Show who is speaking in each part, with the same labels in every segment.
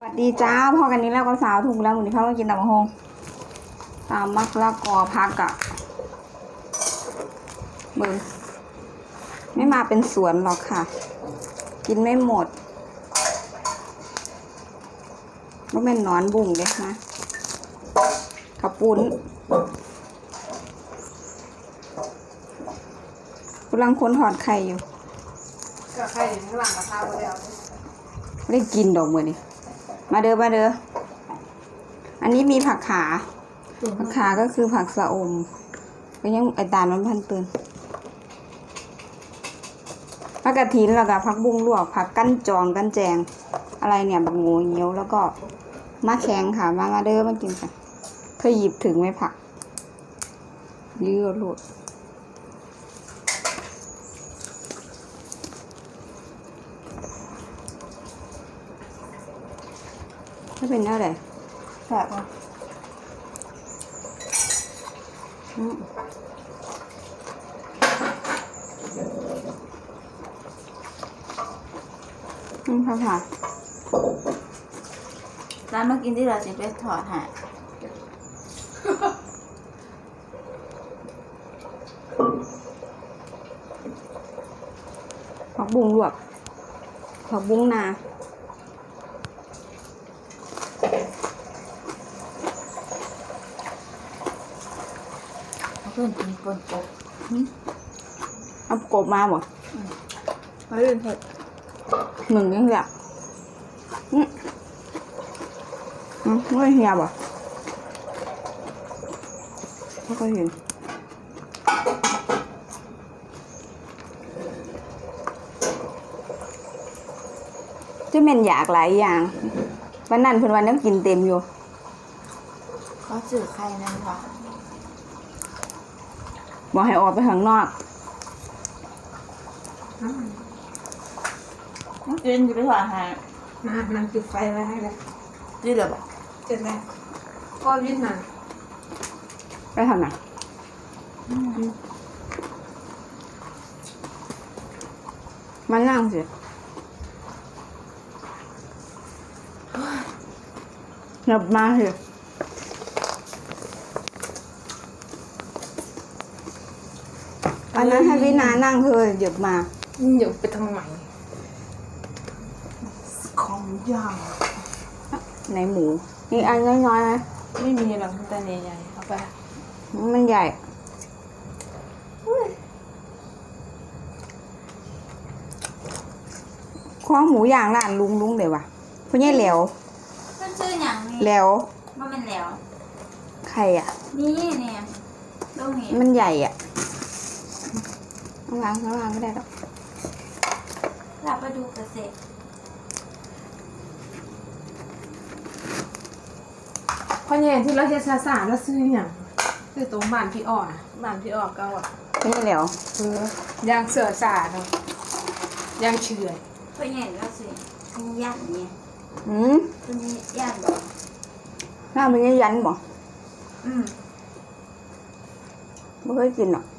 Speaker 1: สวัสดีจ้าพอกันนี้แล้วก็สาวถูกแล้วหมูนี่เขามากินตำบักหุ่งตามมักละกอพักอะมือไม่มาเป็นสวนหรอกค่ะ กินไม่หมดก็เป็นนอนบุ่งเลยนะกระปุ้นกำลังคนถอดไข่อยู่
Speaker 2: ก็ไข่อยู่ข้างหลังกระทะไปแล้ว
Speaker 1: ไม่ได้กินดอกมือนี่มาเด้อมาเด้ออันนี้มีผักขาก็คือผักสะอมก็ยังไอตาลมันพันเตือนผักกระถินแล้วก็ผักบุ้งลวกผักกั้นจองกั้นแจงอะไรเนี่ยบักโง่เงี้ยวแล้วก็มะแข็งค่ะมาเด้อมากินกันเคยหยิบถึงไหมผักยืดหลุดไม่เป็นอะไรแบบว่าค่ะ
Speaker 3: ร้านเมื่อกี้ที่เราจะไปถอดหา
Speaker 1: ผักบุ้งลวกผักบุ้งนา
Speaker 3: เพื่อนกินกบ
Speaker 1: เอากบมาบ่
Speaker 3: มาเรื่องเถอะ
Speaker 1: หนึ่งยังอยากไม่เหียบ่ไม่เคยเห็นจะเป็นอยากหลายอย่างวันนั้นเพิ่นวันนั้นกินเต็มอยู่
Speaker 3: เขาสื่อใครนั่นวะ
Speaker 1: บอกให้ออกไปข้างนอก
Speaker 3: กินอยู่ไปถอดหา
Speaker 2: มันจุดไฟไว้ให้แล้ว
Speaker 3: จีเหรอบอก
Speaker 2: เสร็จแล้วก็วิ่งมา
Speaker 1: ไปทำไหนมันนั่งสิหยับมาสิอันนั้นให้วินานั่งเธอหยับมา
Speaker 2: เดี๋ยวไปทำใหม่
Speaker 3: ของย่าง
Speaker 1: ในหมูนี่อันน้อยๆนะ
Speaker 3: ไม่มีหรอกแต่ใหญ่ๆเอาไป
Speaker 1: มันใหญ่ข้อหมูย่างร้านลุงเดี๋ยววะเพราะนี่แหลว
Speaker 3: มันชื่ออย่างนี้
Speaker 1: แหลว
Speaker 3: มันเป็นแหลว
Speaker 1: ใครอ่ะ
Speaker 3: นี่เนี่ยตรงนี้
Speaker 1: มันใหญ่อ่ะวางก็ได้หรอก
Speaker 3: เราไปดูเกษตร
Speaker 2: เพราะเนี่ยที่เราจะสาแล้วซื้ออย่างคือตรงบ้านพี่อ่อนบ้านพี่อ่อนก็อ่ะ
Speaker 1: นี่แหลวย
Speaker 2: างเสือสาเนาะยางเฉื่อย
Speaker 3: เพราะเนี่ยเราสิอันนี้ย่างเนี่ยตัวนี้ย่างบ่
Speaker 1: หน้ามันยันบ่ไม่เคยกินหรอก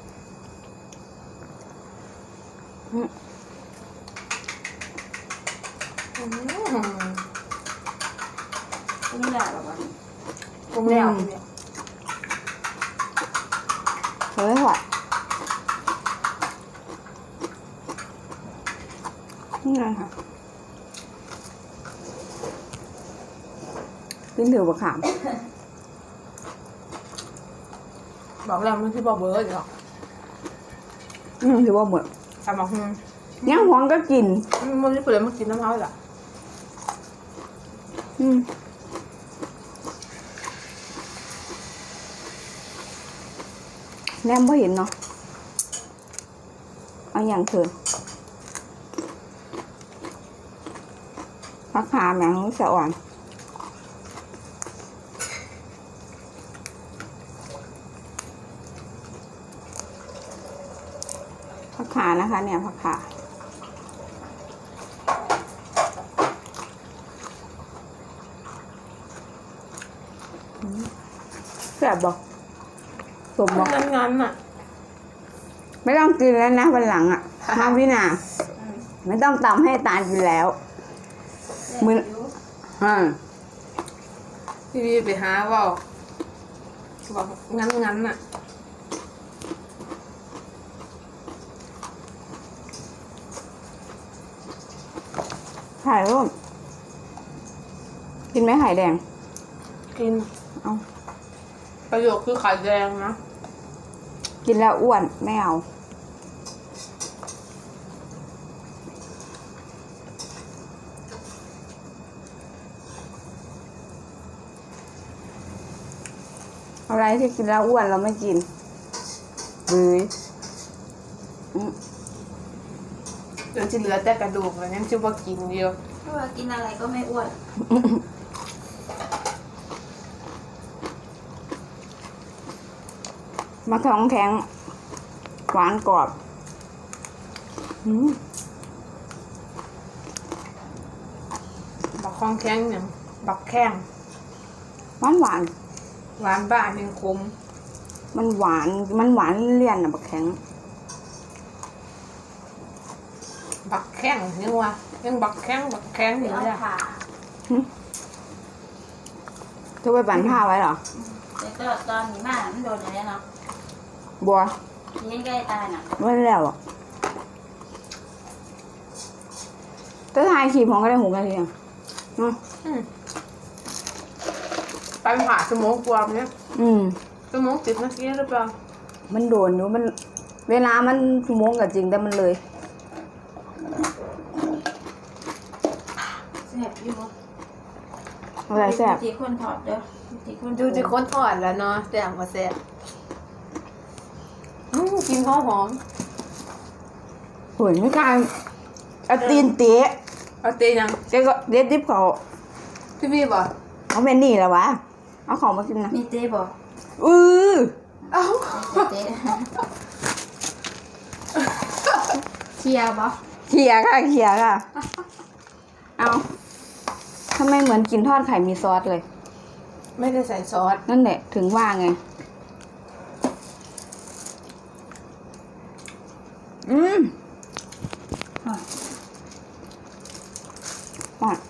Speaker 3: ตัวนี้แหละหรอวะ
Speaker 2: กงแล้ว
Speaker 1: เฮ้ยหวานนี่ไงค่ะกินถือบักขาม
Speaker 2: บอกแล้วมันคือบอกเบอร์หรอก
Speaker 1: ถือว่าเหมือน
Speaker 2: ทำบอก
Speaker 1: ย่างหวงก็กิน
Speaker 2: มันไม่เปิดมากินน้ำเท้าหรอ
Speaker 1: แนมไม่เห็นเนาะเอาอย่างเถอะผักขาแมงสะอ่อนผักขานะคะเนี่ยผักขาแซ่บบอกสมบอก
Speaker 2: งั้นอ่ะ
Speaker 1: ไม่ต้องกินแล้วนะวันหลังอ่ะมาพี่นาไม่ต้องตำให้ตาลกินแล้วมืออ่า
Speaker 2: พี่วีไปหาว่าบอกงั้นน่ะ
Speaker 1: ไข่ร่วมกินไหมไข่แดง
Speaker 2: กิน
Speaker 1: เอา
Speaker 2: ประโยคคือไข่แดงนะ
Speaker 1: กินแล้วอ้วนไม่เอาอะไรที่กินแล้วอ้วนเราไม่กินเลย
Speaker 2: จนที่เหลือแต่กระดูกแล้วยังจะว่ากินเดียว
Speaker 3: เพราะว่ากินอะไรก็ไม่อ้วน
Speaker 1: มาท้องแข็งหวานกรอบ
Speaker 2: บักคองแข้งอย่างบักแข้ง
Speaker 1: หวานหวาน
Speaker 2: หวานบ้านยังคม
Speaker 1: มันหวานเลี่ยนอะบักแข็ง
Speaker 2: บักแข้งยังว่ายังบักแข้งอ
Speaker 3: ไป
Speaker 2: ยู่
Speaker 3: เอา
Speaker 2: เลย
Speaker 3: ผ่า
Speaker 1: จะไปปั่นผ้าไว้เหรอ
Speaker 3: แล้วก็ตอนนี้มามันโดนอะไรเนาะ
Speaker 1: บัว
Speaker 3: ที่ใกล้ตายน่ะ
Speaker 1: ไม่ได้แล้วอ่ะจะทายขีดของก็ได้6 นาทีอ่ะ
Speaker 2: ไปผ่าสมองกวามเนี่ย สมอง10 นาทีหรือเปล่า
Speaker 1: มันโดนอยู่มัน เวลามันชั่วโมงกับจริงแต่มันเลย
Speaker 3: แซ่บอยู่
Speaker 1: อะไรแซ่บ
Speaker 3: ที่คนถอดเด้อที่คน
Speaker 2: ดูจะค้นทอดแล้วเนาะแซ่บมาแซ่บกินข้าวหอม
Speaker 1: โหยไม่กล้าเอาตีนเตะ
Speaker 2: เอาเตยัง
Speaker 1: แกก็เด็ดดิบเขา
Speaker 2: พี่พี่บอก
Speaker 1: เอาเป็นนี่แล้ววะเอาของมากินนะ
Speaker 3: มีเต้บอก
Speaker 1: อือ
Speaker 2: เอ้า
Speaker 3: เต้เชียร์บอก
Speaker 1: เขี่ยค่ะเอาทำไมเหมือนกินทอดไข่มีซอสเลย
Speaker 2: ไม่ได้ใส่ซอส
Speaker 1: นั่นแหละถึงว่าไง อ่ะ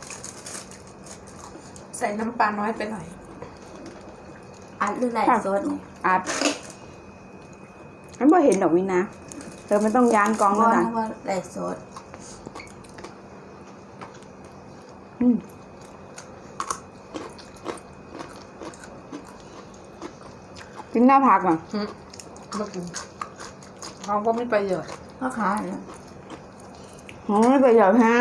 Speaker 2: ใส่น้ำปลาน้อยไปหน่อย
Speaker 3: อัดหรือไหลโซดนี่
Speaker 1: อัดมันพอเห็นดอกวินะเธอไม่ต้องยานกอง
Speaker 3: ร้
Speaker 1: แล้
Speaker 3: อ
Speaker 1: วน นะ
Speaker 3: เพราะว่าไหลโซด
Speaker 1: กินหน้าผักอ่ะ
Speaker 2: มากินเขาก็ไม่ประโยชน์
Speaker 3: พ่อค้าเนี่ย
Speaker 1: ไม่ประโยชน์ฮะ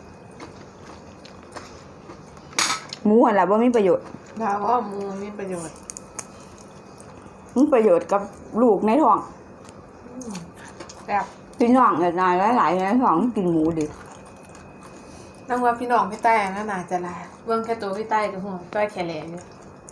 Speaker 1: หมูอะไรบ่มีประโยชน์
Speaker 2: ดาวว่ามูมีประโยชน์
Speaker 1: มีประโยชน์กับลูกในท้อง
Speaker 2: แบบ
Speaker 1: พี่น้องหลายหลายในท้องกินหมูดิ
Speaker 2: นั่งว่าพี่น้องพี่ใต้น่าหนาจะลาเบื้องแค่ตัวพี่ใต้กับหัวต้อยแขนแหลงเนี่ย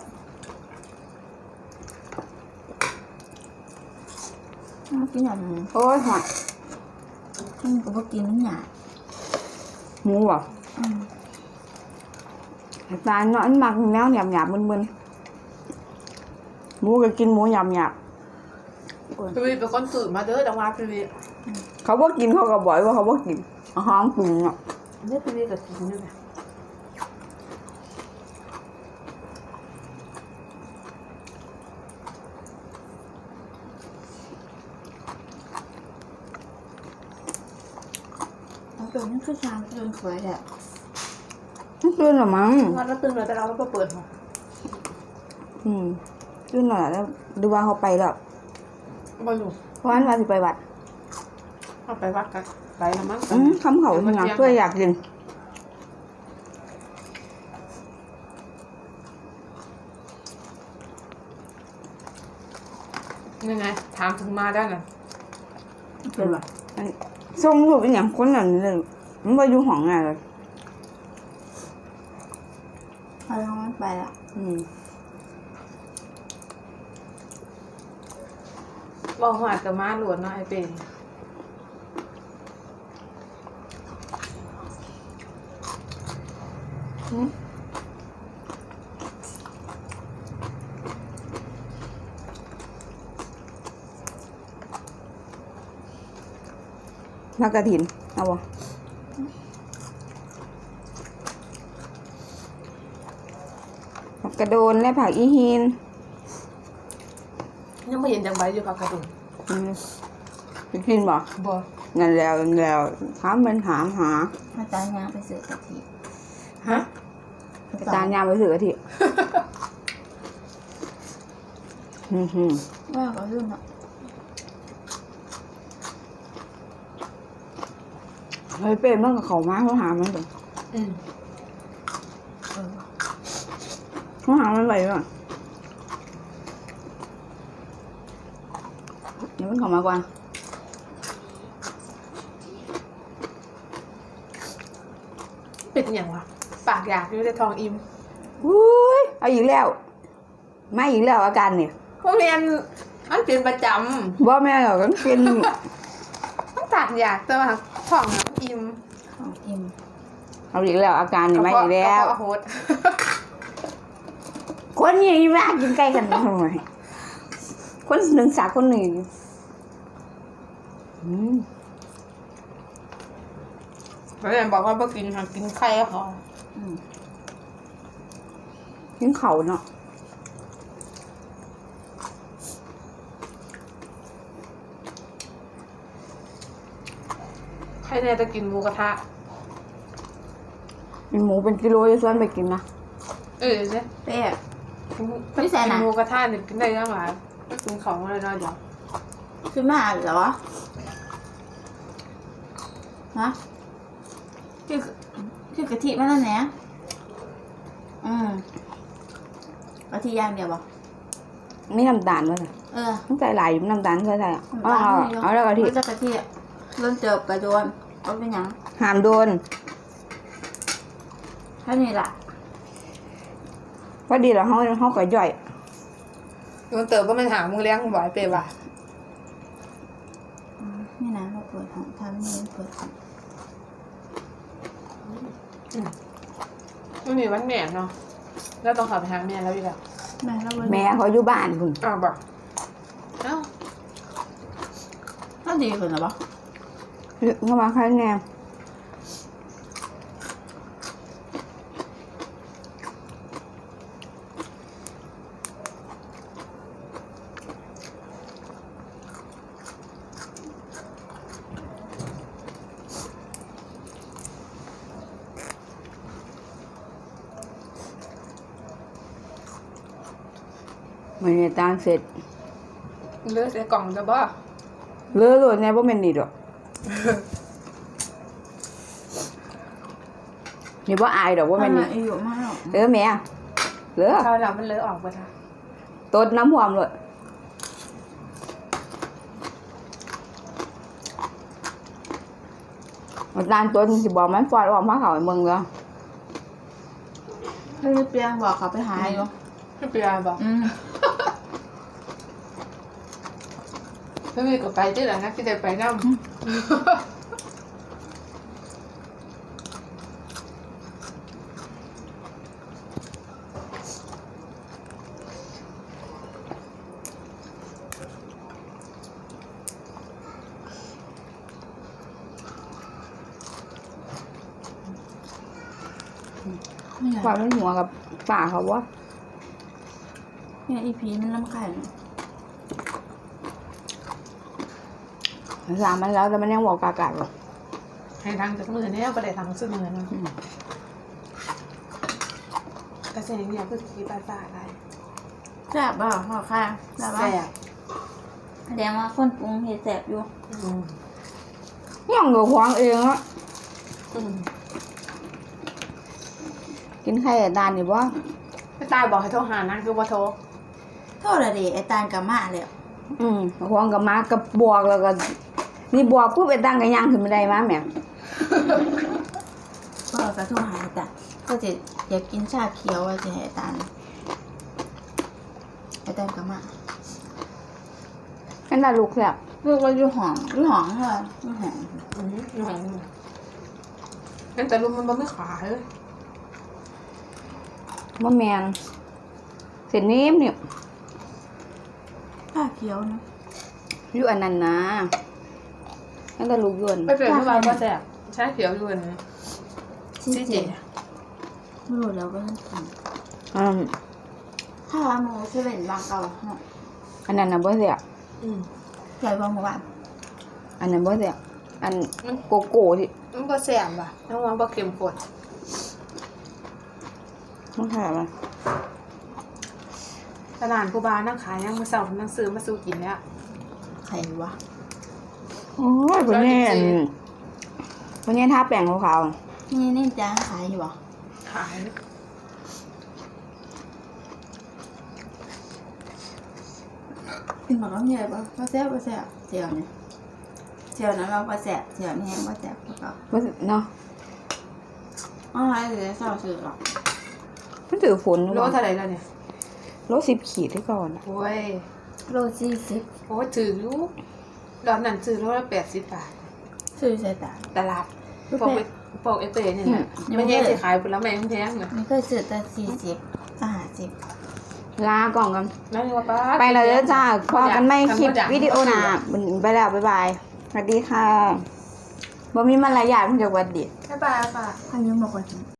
Speaker 3: กินอย่างนี้
Speaker 1: โอ้ยหอย
Speaker 3: กินก็บ่กินนี่หยา
Speaker 1: หมูอ่ะตาเนาะอันมักแนวหยาบมึนๆหมูก็กินหมูหยาบ
Speaker 2: พี่วีเป็นคนตื่นมาเด้อดังว่าพี่วี
Speaker 1: เขาบ่กินเขาก็บอกว่าเขาบ่กินอาหารปรุงอ่ะ
Speaker 2: เด้อพี่วีกับกินด้วยนะ
Speaker 3: เอาตัวนี้คือชามจนสวยแหละ
Speaker 1: ไม่ตื่นหรอมั้ง
Speaker 2: วันเราตื่นเลยแต่เราก็เปิดหัว
Speaker 1: ตื่นหน่อยแล้วดูว่าเขาไปแล้ว
Speaker 2: มาอยู่
Speaker 1: เพราะว่าสิไปวัด
Speaker 2: เอาไปวัดกันไปแล้วมั้ง
Speaker 1: คำเขาหนักเพื่ออยากกิน
Speaker 2: ยังไงถามถึงมาได้เลย
Speaker 3: เป็นแบบ
Speaker 1: ส่งรูปอีหยังคนนั้นเลยมันบ่อยู่ห้องน่ะเลย
Speaker 3: เอาลงไปแล้ว
Speaker 2: บอกหวาดกับม้าหลวดเนาะไอเป็น
Speaker 1: นักกระถินเอาบ่ผักกระโดนและผักอีหิน
Speaker 2: ยังไม่เห็นจังใบอยู่ผักกระดุม
Speaker 1: ไปกินบ่
Speaker 2: บ่
Speaker 1: งั้นแล้วถามมันถามหา
Speaker 3: อาจารย์ยางไปซื้อกะทิ
Speaker 2: ฮะ
Speaker 1: ไปตามยามไปถือกะทิ
Speaker 3: ว่าก็รุ่นเนาะ
Speaker 1: เฮ้ยเป็นมันกับเขามาเขาหามันก่อน
Speaker 2: อืม
Speaker 1: เขาหามันไปก่อนเดี๋ยวมันเขามากว่า
Speaker 2: เป็นอย่างวะปากอยากอยู่ในท้องอิ่ม
Speaker 1: อุ้ยเอาอีกแล้วไม่อีกแล้วอาการเนี่ย
Speaker 2: พวกเรียนมันเป็นประจ
Speaker 1: บ่แม่หรอกมันเป็น
Speaker 2: ำต้องตัดอยากแต่ว่าท้องน่ะมันอิ่ม
Speaker 3: ของอิ่ม
Speaker 1: เอาอีกแล้วอาการเนี่ยไม่อีกแล้ว
Speaker 2: กระเพาะโหด
Speaker 1: คนนี้มากกินใกล้กันทำไมคนหนึ่งสาคนหนึ่ง
Speaker 2: แล้วเรียนบอกว่าเมื่อกินค่ะกินไข่ก็พอ
Speaker 1: กินเขาเนาะ
Speaker 2: ไข่เนี่ยจะกินหมูกระทะ
Speaker 1: เป็นหมูเป็นกิโลจะส่วนไปกินนะ
Speaker 2: เนี่ย
Speaker 3: เป๊ะ
Speaker 2: กิน
Speaker 3: ไม่ใส่นะ
Speaker 2: หมูกระทะเนี่ยกินได้ยังไงก็กินของอะไรน้อยเดียว
Speaker 3: ขึ้นมาเหรอฮะคือกะทิมันนั่นแหละกะทิย่างเดียวบ่
Speaker 1: ไม่น้ำตาลวะสิ ต้องใส่หลายอยู่น้ำตาลใส่เอาแล้วกะทิ
Speaker 3: จะกะทิร่นเจอกระโดนก็เป็นหยัง
Speaker 1: หามโดน
Speaker 3: แค่นี้ล่ะ
Speaker 1: พอดีแล้วเขาก็ย่อย
Speaker 2: มันเติบก็ไม่ถามมึงเลี้ยงบ่อยเปย์ว่ะ
Speaker 3: นี่นะเราเปิดของทำนี่เปิดของ
Speaker 2: มันมีวันแม่เนาะแล้วต้องขับไปหาแม่แล้วอีกแล้ว
Speaker 3: แม่เรา
Speaker 1: แม่เขาอยู่บ้านคุณ
Speaker 2: อ้าวบอกเอ้า
Speaker 3: ก็ดีขึ้นหรอปะ
Speaker 1: เข้ามาข้างแนวมันเนี่ยตาลเสร็จ
Speaker 2: เลือกใส่กล่องจะบ่
Speaker 1: เลือดเลยเนี่ยว่าเป็นนี่ดอกนี่ว่าอายดอกว่าเป็นนี่
Speaker 3: อายุมากหรอก
Speaker 1: แม่เลือ
Speaker 2: คราวหลังมันเลอะออกไปท่ะ
Speaker 1: ต้นน้ำหอมเลยมันตาลต้นสิบอกมันฟอดออกมาเขาไอ้เมืองเลย
Speaker 3: ให้เปียงบอกเขาไปหาอยู่
Speaker 2: ไม่เปลี่ยนบอกไม่มีก็ไปที่ไหนนะที่ได้ไปนั่ง
Speaker 1: ความเป็นหัวกับป่าเขาวะ
Speaker 3: เนี่ยอีพีมันลำไข่
Speaker 1: สามมันแล้วแต่มันยังบอกกากาหรอก
Speaker 2: ให้ทางจากมือเนี่ยก็ได้ทางซึ่งมือนะแต่เสียงเนี่ยคือขี้ปลาปลาอะไร
Speaker 3: แซ่บบ่พ่อค่ะแซ่บบ่
Speaker 2: แซ่บ
Speaker 3: แสดงว่าคนปรุงเห็ดแซ่บอยู่
Speaker 1: ย่องกับควางเองอะกินไข่แต่ดานนี่วะ
Speaker 2: ไม่ตายบอกให้โทรหานะคือว่าโทร
Speaker 3: โทษละดิไอ้ตาลกับมาแล้ว
Speaker 1: ควางกับมากับบวกแล้วก็นี่บวกปุ๊บไอ้ตั้งกันย่างขึ้นไม่ได้มาแม่
Speaker 3: ก็กระทุ่มหายแต่ก็จะอยากกินชาเขียวว่าจะให้ไอ้ตาลกับมา
Speaker 1: นั่นน่ะลูกแซ่บ
Speaker 3: ลูกว่าอยู่ห้องเท่าไหร่อยู่ห้อง
Speaker 2: งั้นแต่ลุงมันไม่ขายเลย
Speaker 1: มะแมนเสร็จนิ่มเนี่ย
Speaker 3: ชาเขียวนะ
Speaker 1: อยู่อันนั้นนะนั่นแต่ลูกยวน
Speaker 2: ไม่เป็นเมื่อวานก็แซ่บใช้เขียวอยู่นะ
Speaker 3: ชี้เจ๋ไม่รู้แล้วก็ต้องกินข้าวหมูเซเว่นบางเก่าเนาะ
Speaker 1: อันนั้นน่ะบ่แซ่บ
Speaker 2: อืม
Speaker 3: ใส่บางหมู่บ้าน
Speaker 1: อันนั้นบ่แซ่บอันโกโก้ที่
Speaker 2: มันบ่แซ่บว่ะน้องว่าบ่เข้มข้น
Speaker 1: มันแซ่บอ่ะ
Speaker 2: ตลาดกูบานั่งขายยังมื้อเช้านั่งซื้อมาสู่กินแล้ว
Speaker 3: ใครวะ
Speaker 1: โอ้ยบ่แน่อันบ่แน่ทาแป้งขาว
Speaker 3: นี่จ้าขายอยู่บ่
Speaker 2: ขาย
Speaker 3: กินหมดแล้วเนี่ยบ่แซ่บบ่แซ่บเจียวเนี่ยเจียวนั้นเราบ่แซ่บเจียวนี่บ่แซ่บก็
Speaker 1: ๆบ่เนาะ
Speaker 3: อะไรเลยเศร้าชื่อหรอก
Speaker 1: มันถือฝน
Speaker 2: โลเท่าไหร่แล้วเนี่ย
Speaker 1: โล10ขีดที่ก่อนอะ
Speaker 2: โอ้ย
Speaker 3: โล40
Speaker 2: โอ้ยถืออยู่รอบนั้นซื้อโลละ80 บาท
Speaker 3: ซื้อใส่ตา
Speaker 2: ตลาดปอกเอเต้เนี่ยนะไม่แย่สิขายผลไม้แพงๆเลย
Speaker 3: นี่เคยซื้อแต่40 50
Speaker 1: ลาก่อนกัน
Speaker 2: นั่นว่าป้า
Speaker 1: ไปแล้วเด้อจ้าพอกันไม่คลิปวิดีโอหน้าไปแล้วบ๊ายบายสวัสดีค่ะบ่มีมารยาทเพิ่นจะหวัดดี
Speaker 2: บ๊ายบายค่ะ
Speaker 3: พันยังบอกว่า